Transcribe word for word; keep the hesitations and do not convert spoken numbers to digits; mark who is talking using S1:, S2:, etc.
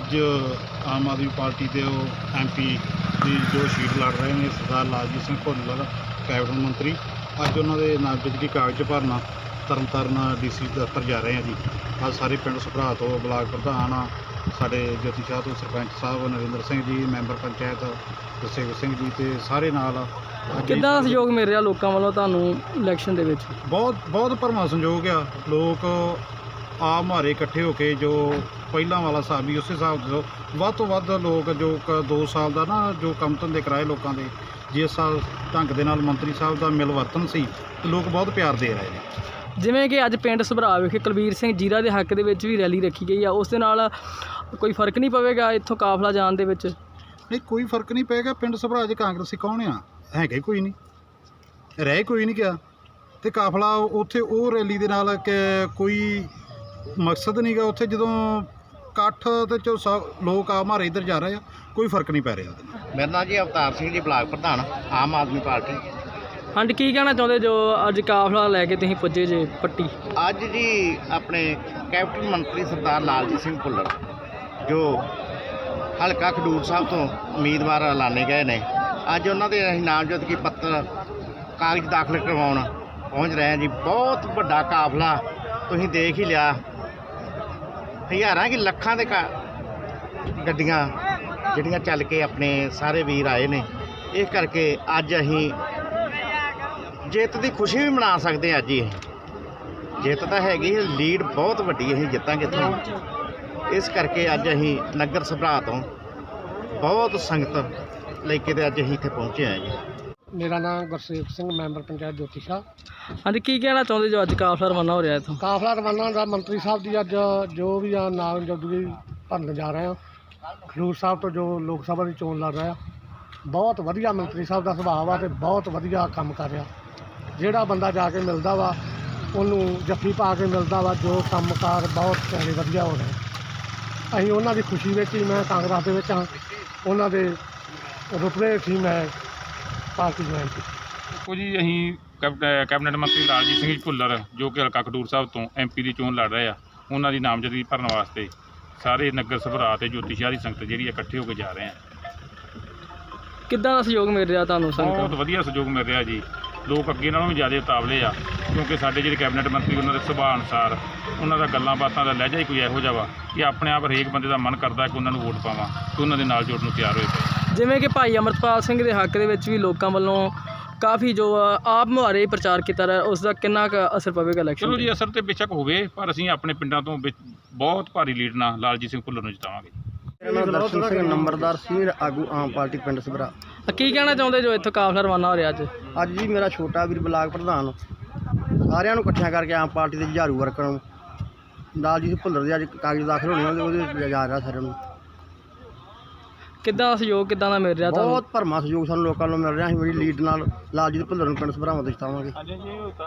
S1: ਅੱਜ ਆਮ ਆਦਮੀ ਪਾਰਟੀ ਦੇ ਉਹ ਐਮ ਪੀ ਦੀ ਜੋ ਸੀਟ ਲੜ ਰਹੇ ਨੇ ਸਰਦਾਰ ਲਾਲਜੀਤ ਸਿੰਘ ਭੁੱਲਰ ਕੈਬਨਿਟ ਮੰਤਰੀ, ਅੱਜ ਉਹਨਾਂ ਦੇ ਨਾਮਜ਼ਦਗੀ ਕਾਗਜ਼ ਭਰਨਾ ਤਰਨ ਤਾਰਨ ਡੀ ਸੀ ਦਫ਼ਤਰ ਜਾ ਰਹੇ ਹਾਂ ਜੀ। ਅੱਜ ਸਾਰੇ ਪਿੰਡ ਸਭਰਾ ਤੋਂ ਬਲਾਕ ਪ੍ਰਧਾਨ ਸਾਡੇ ਜੋਤੀ ਸ਼ਾਹ ਤੋਂ ਸਰਪੰਚ ਸਾਹਿਬ ਨਰਿੰਦਰ ਸਿੰਘ ਜੀ, ਮੈਂਬਰ ਪੰਚਾਇਤ ਗੁਰਸੇਵਕ ਸਿੰਘ ਜੀ ਤੇ ਸਾਰੇ ਨਾਲ।
S2: ਕਿੱਦਾਂ ਦਾ ਸਹਿਯੋਗ ਮਿਲ ਰਿਹਾ ਲੋਕਾਂ ਵੱਲੋਂ ਤੁਹਾਨੂੰ ਇਲੈਕਸ਼ਨ ਦੇ ਵਿੱਚ?
S1: ਬਹੁਤ ਬਹੁਤ ਭਰਵਾਂ ਸੰਯੋਗ ਆ। ਲੋਕ ਆ ਮਾਰੇ ਇਕੱਠੇ ਹੋ ਕੇ ਜੋ ਪਹਿਲਾਂ ਵਾਲਾ ਹਿਸਾਬ ਵੀ ਉਸੇ ਹਿਸਾਬ ਤੋਂ ਵੱਧ ਤੋਂ ਵੱਧ ਲੋਕ ਜੋ ਕ ਦੋ ਸਾਲ ਦਾ ਨਾ ਜੋ ਕੰਮ ਧੰਦੇ ਕਰਾਏ ਲੋਕਾਂ ਦੇ, ਜਿਸ ਸਾਲ ਢੰਗ ਦੇ ਨਾਲ ਮੰਤਰੀ ਸਾਹਿਬ ਦਾ ਮਿਲਵਰਤਨ ਸੀ ਤੇ ਲੋਕ ਬਹੁਤ ਪਿਆਰ ਦੇ ਰਹੇ ਨੇ।
S2: ਜਿਵੇਂ ਕਿ ਅੱਜ ਪਿੰਡ ਸਭਰਾ ਵਿਖੇ ਕੁਲਬੀਰ ਸਿੰਘ ਜੀਰਾ ਦੇ ਹੱਕ ਦੇ ਵਿੱਚ ਵੀ ਰੈਲੀ ਰੱਖੀ ਗਈ ਆ, ਉਸ ਦੇ ਨਾਲ ਕੋਈ ਫਰਕ ਨਹੀਂ ਪਵੇਗਾ ਇੱਥੋਂ ਕਾਫਲਾ ਜਾਣ ਦੇ ਵਿੱਚ?
S1: ਨਹੀਂ, ਕੋਈ ਫਰਕ ਨਹੀਂ ਪਏਗਾ। ਪਿੰਡ ਸਭਰਾ 'ਚ ਕਾਂਗਰਸੀ ਕੌਣ ਆ? ਹੈਗੇ ਕੋਈ ਨਹੀਂ, ਰਹਿ ਕੋਈ ਨਹੀਂ ਗਿਆ ਤੇ ਕਾਫਲਾ ਉੱਥੇ ਉਹ ਰੈਲੀ ਦੇ ਨਾਲ ਕਿ ਕੋਈ ਮਕਸਦ ਨਹੀਂ ਗਾ ਉੱਥੇ। ਜਦੋਂ ਇਕੱਠ ਤੇ ਚੋ ਸਭ ਲੋਕ ਆ ਮਾਰੇ ਇੱਧਰ ਜਾ ਰਹੇ ਆ, ਕੋਈ ਫਰਕ ਨਹੀਂ ਪੈ ਰਿਹਾ ਉਹਦੇ ਨਾਲ।
S3: ਮੇਰਾ ਨਾਂ ਜੀ ਅਵਤਾਰ ਸਿੰਘ ਜੀ, ਬਲਾਕ ਪ੍ਰਧਾਨ ਆਮ ਆਦਮੀ ਪਾਰਟੀ।
S2: ਹਾਂਜੀ, ਕੀ ਕਹਿਣਾ ਚਾਹੁੰਦੇ ਜੋ ਅੱਜ ਕਾਫਲਾ ਲੈ ਕੇ ਤੁਸੀਂ ਪੁੱਜੇ ਜੇ ਪੱਟੀ?
S3: ਅੱਜ ਜੀ ਆਪਣੇ ਕੈਬਨਿਟ ਮੰਤਰੀ ਸਰਦਾਰ ਲਾਲਜੀਤ ਸਿੰਘ ਭੁੱਲਰ ਜੋ ਹਲਕਾ ਖਡੂਰ ਸਾਹਿਬ ਤੋਂ ਉਮੀਦਵਾਰ ਐਲਾਨੇ ਗਏ ਨੇ, ਅੱਜ ਉਹਨਾਂ ਦੇ ਅਸੀਂ ਨਾਮਜ਼ਦਗੀ ਪੱਤਰ ਕਾਗਜ਼ ਦਾਖਲ ਕਰਵਾਉਣ ਪਹੁੰਚ ਰਹੇ ਹਾਂ ਜੀ। ਬਹੁਤ ਵੱਡਾ ਕਾਫਲਾ ਤੁਸੀਂ ਦੇਖ ਹੀ ਲਿਆ, ਹਜ਼ਾਰਾਂ ਕਿ ਲੱਖਾਂ ਦੇ ਕਾ ਗੱਡੀਆਂ ਜਿਹੜੀਆਂ ਚੱਲ ਕੇ ਆਪਣੇ ਸਾਰੇ ਵੀਰ ਆਏ ਨੇ। ਇਸ ਕਰਕੇ ਅੱਜ ਅਸੀਂ ਜਿੱਤ ਦੀ ਖੁਸ਼ੀ ਵੀ ਮਨਾ ਸਕਦੇ ਹਾਂ। ਅੱਜ ਹੀ ਜਿੱਤ ਤਾਂ ਹੈਗੀ, ਲੀਡ ਬਹੁਤ ਵੱਡੀ ਅਸੀਂ ਜਿੱਤਾਂਗੇ ਇੱਥੋਂ। ਇਸ ਕਰਕੇ ਅੱਜ ਅਸੀਂ ਨਗਰ ਸਭਰਾ ਤੋਂ ਬਹੁਤ ਸੰਗਤ ਲੈ ਕੇ ਤੇ ਅੱਜ ਅਸੀਂ ਇੱਥੇ ਪਹੁੰਚੇ ਹਾਂ ਜੀ।
S4: ਮੇਰਾ ਨਾਮ ਗੁਰਸੇਵਕ ਸਿੰਘ, ਮੈਂਬਰ ਪੰਚਾਇਤ ਜੋਤੀ ਸ਼ਾਹ।
S2: ਹਾਂਜੀ, ਕੀ ਕਹਿਣਾ ਚਾਹੁੰਦੇ ਜੋ ਅੱਜ ਕਾਫਲਾ ਰਵਾਨਾ ਹੋ ਰਿਹਾ ਇੱਥੋਂ?
S4: ਕਾਫਲਾ ਰਵਾਨਾ ਦਾ ਮੰਤਰੀ ਸਾਹਿਬ ਦੀ ਅੱਜ ਜੋ ਵੀ ਆ ਨਾਮਜ਼ਦਗੀ ਭਰਨ ਜਾ ਰਹੇ ਹਾਂ ਖਡੂਰ ਸਾਹਿਬ ਤੋਂ, ਜੋ ਲੋਕ ਸਭਾ ਦੀ ਚੋਣ ਲੜ ਰਿਹਾ। ਬਹੁਤ ਵਧੀਆ ਮੰਤਰੀ ਸਾਹਿਬ ਦਾ ਸੁਭਾਅ ਆ ਤੇ ਬਹੁਤ ਵਧੀਆ ਕੰਮ ਕਰ ਰਿਹਾ। ਜਿਹੜਾ ਬੰਦਾ ਜਾ ਕੇ ਮਿਲਦਾ ਵਾ ਉਹਨੂੰ ਜੱਫੀ ਪਾ ਕੇ ਮਿਲਦਾ ਵਾ। ਜੋ ਕੰਮਕਾਰ ਬਹੁਤ ਸਾਰੇ ਵਧੀਆ ਹੋ ਰਹੇ। ਅਸੀਂ ਉਹਨਾਂ ਦੀ ਖੁਸ਼ੀ ਵਿੱਚ ਹੀ, ਮੈਂ ਕਾਂਗਰਸ ਦੇ ਵਿੱਚ ਹਾਂ, ਉਹਨਾਂ ਦੇ ਰੁਤਬੇ ਸੀ ਮੈਂ ਪਾਰਟੀ ਜੁਆਇਨ ਕੀਤੀ।
S5: ਦੇਖੋ ਜੀ, ਅਸੀਂ ਕੈਬ- ਕੈਬਨਿਟ ਮੰਤਰੀ ਲਾਲਜੀਤ ਸਿੰਘ ਭੁੱਲਰ ਜੋ ਕਿ ਹਲਕਾ ਖਡੂਰ ਸਾਹਿਬ ਤੋਂ ਐਮ ਪੀ ਦੀ ਚੋਣ ਲੜ ਰਹੇ ਆ, ਉਹਨਾਂ ਦੀ ਨਾਮਜ਼ਦਗੀ ਭਰਨ ਵਾਸਤੇ ਸਾਰੇ ਨਗਰ ਸਭਰਾ ਤੇ ਜੋਤੀ ਸ਼ਾਹ ਦੀ ਸੰਗਤ ਜਿਹੜੀ ਆ ਇਕੱਠੇ ਹੋ ਕੇ ਜਾ ਰਹੇ ਆ।
S2: ਕਿੱਦਾਂ ਦਾ ਸਹਿਯੋਗ ਮਿਲ ਰਿਹਾ ਤੁਹਾਨੂੰ
S5: ਬਹੁਤ
S2: ਸੰਗਤ?
S5: ਵਧੀਆ ਸਹਿਯੋਗ ਮਿਲ ਰਿਹਾ ਜੀ। ਲੋਕ ਅੱਗੇ ਨਾਲੋਂ ਵੀ ਜ਼ਿਆਦਾ ਉਤਾਵਲੇ ਆ, ਕਿਉਂਕਿ ਸਾਡੇ ਜਿਹੜੇ ਕੈਬਨਿਟ ਮੰਤਰੀ ਉਹਨਾਂ ਦੇ ਸੁਭਾਅ ਅਨੁਸਾਰ ਉਹਨਾਂ ਦਾ ਗੱਲਾਂ ਬਾਤਾਂ ਦਾ ਲਹਿਜਾ ਹੀ ਕੋਈ ਇਹੋ ਜਿਹਾ ਵਾ ਕਿ ਆਪਣੇ ਆਪ ਹਰੇਕ ਬੰਦੇ ਦਾ ਮਨ ਕਰਦਾ ਕਿ ਉਹਨਾਂ ਨੂੰ ਵੋਟ ਪਾਵਾਂ ਤੇ ਉਹਨਾਂ ਦੇ ਨਾਲ ਜੋੜਨ ਨੂੰ ਤਿਆਰ ਹੋਏ ਪਏ।
S2: ਜਿਵੇਂ ਕਿ ਭਾਈ ਅਮਰਪਾਲ ਸਿੰਘ ਦੇ ਹੱਕ ਦੇ ਵਿੱਚ ਵੀ ਲੋਕਾਂ ਵੱਲੋਂ ਕਾਫੀ ਜੋ ਆਪ ਮੁਹਾਰੇ ਪ੍ਰਚਾਰ ਕੀਤਾ ਰਿਹਾ, ਉਸ ਦਾ ਕਿੰਨਾ ਕੁ ਅਸਰ ਪਵੇਗਾ ਇਲੈਕਸ਼ਨ?
S5: ਚਲੋ ਜੀ, ਅਸਰ ਤੇ ਬੇਸ਼ੱਕ ਹੋਵੇ, ਪਰ ਅਸੀਂ ਆਪਣੇ ਪਿੰਡਾਂ ਤੋਂ ਵਿੱਚ ਬਹੁਤ ਭਾਰੀ ਲੀਡ ਨਾਲ ਲਾਲਜੀਤ ਸਿੰਘ ਭੁੱਲਰ ਨੂੰ ਜਿਤਾਵਾਂਗੇ।
S4: ਮੇਰਾ ਨਾਮ ਦਰਸ਼ਨ ਸਿੰਘ, ਨੰਬਰਦਾਰ ਸੀਨੀਅਰ ਆਗੂ ਆਮ ਪਾਰਟੀ ਪਿੰਡ ਸਭਰਾ।
S2: ਕੀ ਕਹਿਣਾ ਚਾਹੁੰਦੇ ਜੋ ਇੱਥੋਂ ਕਾਫਲਾ ਰਵਾਨਾ ਹੋ ਰਿਹਾ ਅੱਜ?
S4: ਅੱਜ ਜੀ ਮੇਰਾ ਛੋਟਾ ਵੀਰ ਬਲਾਕ ਪ੍ਰਧਾਨ ਸਾਰਿਆਂ ਨੂੰ ਇਕੱਠਿਆਂ ਕਰਕੇ ਆਮ ਪਾਰਟੀ ਦੇ ਜੁਝਾਰੂ ਵਰਕਰਾਂ ਨੂੰ ਲਾਲਜੀਤ ਭੁੱਲਰ ਦੇ ਅੱਜ ਕਾਗਜ਼ ਦਾਖਲ ਹੋਣੇ ਉਹਦੇ ਉਹਦੇ ਜਾ ਰਿਹਾ ਸਾਰਿਆਂ ਨੂੰ।
S2: ਕਿੱਦਾਂ ਦਾ ਸਹਿਯੋਗ ਕਿੱਦਾਂ ਦਾ ਮਿਲ ਰਿਹਾ ਤੁਹਾਨੂੰ?
S4: ਬਹੁਤ ਭਰਮਾ ਸਹਿਯੋਗ ਸਾਨੂੰ ਲੋਕਾਂ ਨੂੰ ਮਿਲ ਰਿਹਾ। ਅਸੀਂ ਬੜੀ ਲੀਡ ਨਾਲ ਲਾਲਜੀਤ ਭੁੱਲਰ ਨੂੰ ਪਿੰਡ ਸਭਰਾਵਾਂ ਤੋਂ ਜਿਤਾਵਾਂਗੇ।